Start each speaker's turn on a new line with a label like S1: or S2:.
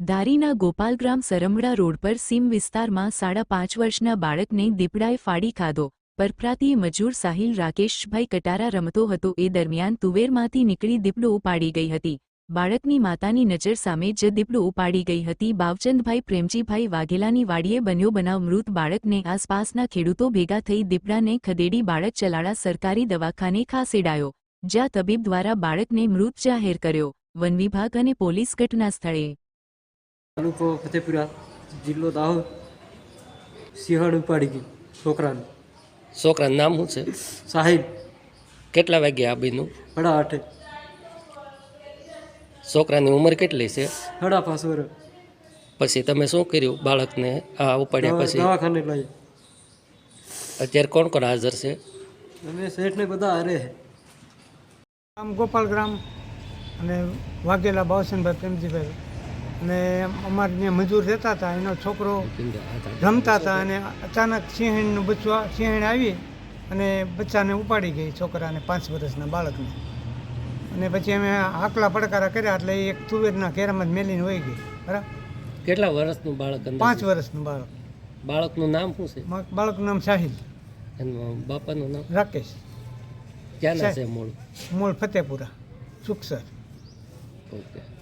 S1: ધારીના Gopalgram સરમડા road પર સીમ વિસ્તારમાં 5.5 વર્ષના બાળકને દીપડાએ ફાડી ખાધો. પરપ્રાંતીય મજૂર સાહિલ રાકેશભાઈ કટારા રમતો હતો એ દરમિયાન તુવેરમાંથી નીકળી દીપડો ઉપાડી ગઈ હતી. બાળકની માતાની નજર સામે જ દીપડો ઉપાડી ગઈ હતી. બાવચંદભાઈ પ્રેમજીભાઈ વાઘેલાની વાડીએ બન્યો બનાવ. મૃત બાળકને આસપાસના ખેડૂતો ભેગા થઈ દીપડાને ખદેડી બાળક ચલાળા સરકારી દવાખાને ખસેડાયો, જ્યાં તબીબ દ્વારા બાળકને મૃત જાહેર કર્યો. વન વિભાગ અને પોલીસ ઘટના સ્થળે.
S2: તાલુકો ફતેપુરા, જિલ્લો દાહોદ. સિંહણ ઉપાડી ગઈ છોકરાને.
S3: છોકરાનું નામ શું છે?
S2: સાહિલ.
S3: કેટલા વાગ્યા આ બીનું?
S2: 8:30.
S3: છોકરાની ઉંમર કેટલી છે?
S2: 5.5 વર્ષ.
S3: પછી તમે શું કર્યું બાળકને આ ઉપાડ્યા પછી?
S2: દવાખાને લઈ.
S3: અત્યારે કોણ કોણ હાજર છે?
S2: અમે શેઠને બધા હારે.
S4: આમ ગોપાલગ્રામ અને વાઘેલા બાવસનભાઈ પ્રેમજીભાઈ અને અમારે ત્યાં મજૂર રહેતા હતા. એનો છોકરો રમતા હતા અને અચાનક સિંહણનું સિંહણ આવી અને બચ્ચાને ઉપાડી ગઈ, છોકરાને 5 વર્ષના બાળકને. અને પછી અમે આકલા પડકારા કર્યા એટલે એ એક તુવેરના ઘેરામાં જ મેલીને વહી ગઈ. બરાબર.
S3: કેટલા વર્ષનું બાળક?
S4: 5 વર્ષનું બાળક.
S3: બાળકનું નામ શું છે?
S4: બાળકનું નામ સાહિલ.
S3: એનું બાપાનું નામ?
S4: રાકેશ.
S3: ક્યાંના છે મૂળ?
S4: મૂળ ફતેપુરા, સુખસર.
S3: ઓકે.